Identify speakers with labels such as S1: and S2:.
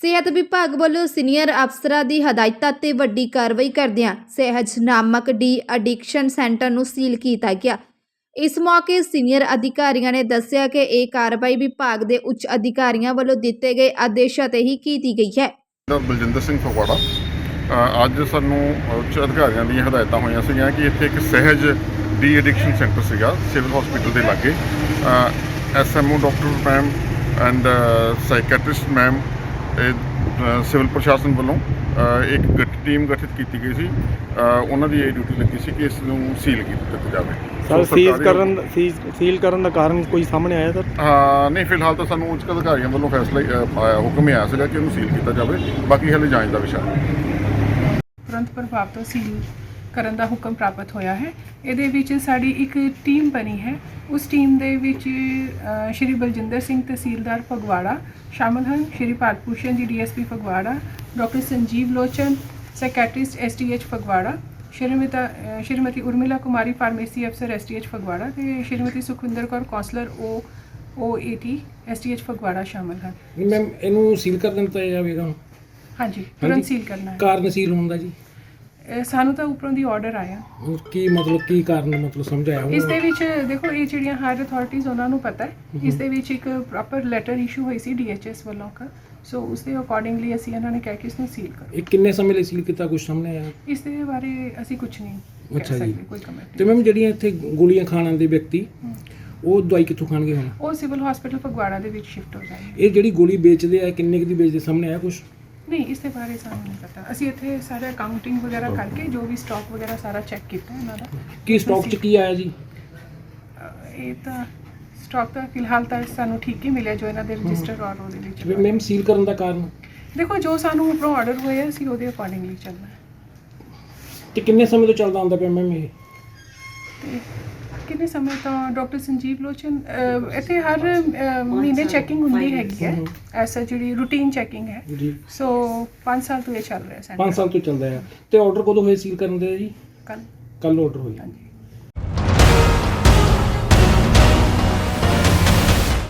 S1: ਸਿਹਤ ਵਿਭਾਗ ਵੱਲੋਂ ਸੀਨੀਅਰ ਅਫਸਰਾਂ ਦੀ ਹਦਾਇਤਾਂ ਤੇ ਵੱਡੀ ਕਾਰਵਾਈ ਕਰਦਿਆਂ ਸਹਿਜ ਨਾਮਕ ਡੀ ਐਡਿਕਸ਼ਨ ਸੈਂਟਰ ਨੂੰ ਸੀਲ ਕੀਤਾ ਗਿਆ। ਇਸ ਮੌਕੇ ਸੀਨੀਅਰ ਅਧਿਕਾਰੀਆਂ ਨੇ ਦੱਸਿਆ ਕਿ ਇਹ ਕਾਰਵਾਈ ਵਿਭਾਗ ਦੇ ਉੱਚ ਅਧਿਕਾਰੀਆਂ ਵੱਲੋਂ ਦਿੱਤੇ ਗਏ ਆਦੇਸ਼ਾਂ ਤੇ ਹੀ ਕੀਤੀ ਗਈ ਹੈ।
S2: ਬਲਜਿੰਦਰ ਸਿੰਘ ਫਗਵਾੜਾ ਅੱਜ ਸਾਨੂੰ ਉੱਚ ਅਧਿਕਾਰੀਆਂ ਦੀਆਂ ਹਦਾਇਤਾਂ ਹੋਈਆਂ ਸੀਗੀਆਂ ਕਿ ਇੱਥੇ ਇੱਕ ਸਹਿਜ ਡੀ ਐਡਿਕਸ਼ਨ ਸੈਂਟਰ ਸੀਗਾ ਸਿਵਲ ਹਸਪੀਟਲ ਦੇ ਲਾਗੇ। SMO doctor ma'am and psychiatrist ma'am civil ਪ੍ਰਸ਼ਾਸਨ ਵੱਲੋਂ ਇੱਕ ਟੀਮ ਗਠਿਤ ਕੀਤੀ ਗਈ ਸੀ। ਉਹਨਾਂ ਦੀ ਇਹ ਡਿਊਟੀ ਲੱਗੀ ਸੀ ਕਿ ਇਸ ਨੂੰ ਸੀਲ ਕੀਤਾ ਜਾਵੇ।
S3: ਸਰ ਸੀਲ ਕਰਨ ਦਾ ਕਾਰਨ ਕੋਈ ਸਾਹਮਣੇ ਆਇਆ ਸਰ?
S2: ਨਹੀਂ, ਫਿਲਹਾਲ ਤਾਂ ਸਾਨੂੰ ਉੱਚ ਅਧਿਕਾਰੀਆਂ ਵੱਲੋਂ ਫੈਸਲਾ ਹੁਕਮ ਆਇਆ ਸੀਗਾ ਕਿ ਇਹਨੂੰ ਸੀਲ ਕੀਤਾ ਜਾਵੇ। ਬਾਕੀ ਹਾਲੇ ਜਾਂਚ ਦਾ ਵਿਸ਼ਾ ਹੈ।
S4: ਤੁਰੰਤ ਪ੍ਰਭਾਵ ਤੋਂ ਸੀਲ ਕਰਨ ਦਾ ਹੁਕਮ ਪ੍ਰਾਪਤ ਹੋਇਆ ਹੈ। ਇਹਦੇ ਵਿੱਚ ਸਾਡੀ ਇੱਕ ਟੀਮ ਬਣੀ ਹੈ। ਉਸ ਟੀਮ ਦੇ ਵਿੱਚ ਸ਼੍ਰੀ ਬਲਜਿੰਦਰ ਸਿੰਘ ਤਹਿਸੀਲਦਾਰ ਫਗਵਾੜਾ ਸ਼ਾਮਲ ਹਨ, ਸ਼੍ਰੀ Bharat Bhushan ji DSP Phagwara, doctor Sanjeev Lochan psychiatrist STH Phagwara, Shrimati Urmila Kumari pharmacy ਅਫਸਰ STH ਫਗਵਾੜਾ ਤੇ Shrimati Sukhwinder Kaur counsellor OAT STH Phagwara ਸ਼ਾਮਲ ਹਨ।
S3: ਮੈਮ ਇਹਨੂੰ ਸੀਲ ਕਰ ਦਿੱਤਾ ਜਾਵੇਗਾ?
S4: ਹਾਂਜੀ, ਤੁਰੰਤ ਸੀਲ ਕਰਨਾ ਹੈ।
S3: ਕਾਰਨ ਸੀਲ ਹੋਣ ਦਾ ਜੀ?
S4: ਸਾਨੂੰ ਤਾਂ ਉੱਪਰੋਂ ਦੀ ਆਰਡਰ ਆਇਆ।
S3: ਕੀ ਕਾਰਨ ਸਮਝਾਇਆ?
S4: ਇਸ ਦੇ ਵਿੱਚ ਦੇਖੋ, ਇਹ ਜਿਹੜੀਆਂ ਹਾਇਰ ਅਥਾਰਟੀਜ਼ ਉਹਨਾਂ ਨੂੰ ਪਤਾ ਹੈ। ਇਸ ਦੇ ਵਿੱਚ ਇੱਕ ਪ੍ਰੋਪਰ ਲੈਟਰ ਇਸ਼ੂ ਹੋਈ ਸੀ DHS ਵੱਲੋਂ ਸੋ ਉਸ ਦੇ ਅਕੋਰਡਿੰਗਲੀ ਅਸੀਂ ਇਹਨਾਂ ਨੇ ਕਿਹਾ ਕਿ ਇਸ ਨੂੰ ਸੀਲ ਕਰੋ।
S3: ਇਹ ਕਿੰਨੇ ਸਮੇਂ ਲਈ ਸੀਲ ਕੀਤਾ, ਕੁਝ ਸਾਹਮਣੇ ਆਇਆ?
S4: ਇਸ ਦੇ ਬਾਰੇ ਅਸੀਂ ਕੁਝ ਨਹੀਂ ਕਹਿ ਸਕਦੇ, ਕੋਈ ਕਮੈਂਟ।
S3: ਤੇ ਮੈਮ ਜਿਹੜੀਆਂ ਇੱਥੇ ਗੋਲੀਆਂ ਖਾਣ ਆਉਂਦੇ ਵਿਅਕਤੀ ਉਹ ਦਵਾਈ ਕਿੱਥੋਂ ਖਾਣਗੇ ਹੁਣ?
S4: ਉਹ ਸਿਵਲ ਹਸਪੀਟਲ ਫਗਵਾੜਾ ਦੇ ਵਿੱਚ ਸ਼ਿਫਟ ਹੋ ਜਾਣਗੇ।
S3: ਇਹ ਜਿਹੜੀ ਗੋਲੀ ਵੇਚਦੇ ਆ ਕਿੰਨੇ ਕੁ ਦੀ ਵੇਚਦੇ, ਸਾਹਮਣੇ ਆਇਆ ਕੁਝ?
S4: ਨਹੀਂ, ਇਸ ਦੇ ਬਾਰੇ ਸਾਨੂੰ ਨਹੀਂ ਪਤਾ। ਅਸੀਂ ਇੱਥੇ ਸਾਰਾ ਅਕਾਊਂਟਿੰਗ ਵਗੈਰਾ ਕਰਕੇ ਜੋ ਵੀ ਸਟਾਕ ਵਗੈਰਾ ਸਾਰਾ ਚੈੱਕ ਕੀਤਾ ਇਹਨਾਂ ਦਾ।
S3: ਕੀ ਸਟਾਕ 'ਚ ਕੀ ਆਇਆ ਜੀ?
S4: ਇਹ ਤਾਂ ਸਟਾਕ ਤਾਂ ਫਿਲਹਾਲ ਤਾਂ ਸਾਨੂੰ ਠੀਕ ਹੀ ਮਿਲਿਆ ਜੋ ਇਹਨਾਂ ਦੇ ਰਜਿਸਟਰ ਔਰ ਉਹਦੇ ਵਿੱਚ।
S3: ਮੈਮ ਸੀਲ ਕਰਨ ਦਾ ਕਾਰਨ?
S4: ਦੇਖੋ, ਜੋ ਸਾਨੂੰ ਉੱਪਰੋਂ ਆਰਡਰ ਹੋਇਆ ਅਸੀਂ ਉਹਦੇ ਅਕੋਰਡਿੰਗਲੀ ਚੱਲਣਾ ਹੈ।
S3: ਤੇ ਕਿੰਨੇ ਸਮੇਂ ਤੋਂ ਚੱਲਦਾ ਹੁੰਦਾ ਪਿਆ ਮੈਮ ਇਹ?
S4: ਤੇ ਕਿੰਨੇ ਸਮੇਂ ਤੋਂ ਡਾਕਟਰ ਸੰਜੀਵ ਲੋਚਨ ਇੱਥੇ ਹਰ ਮਹੀਨੇ ਚੈਕਿੰਗ ਹੁੰਦੀ ਹੈਗੀ ਹੈ। ਐਸਾ ਜਿਹੜੀ ਰੂਟੀਨ ਚੈਕਿੰਗ ਹੈ
S3: ਜੀ।
S4: ਸੋ 5 ਸਾਲ ਤੋਂ ਇਹ ਚੱਲ ਰਿਹਾ ਸੈਂਟਰ।
S3: 5 ਸਾਲ ਤੋਂ ਚੱਲਦਾ ਹੈ। ਤੇ ਆਰਡਰ ਕਦੋਂ ਹੋਏ ਸੀਲ ਕਰਨ ਦੇ ਜੀ?
S4: ਕੱਲ
S3: ਆਰਡਰ ਹੋਇਆ।
S4: ਹਾਂਜੀ।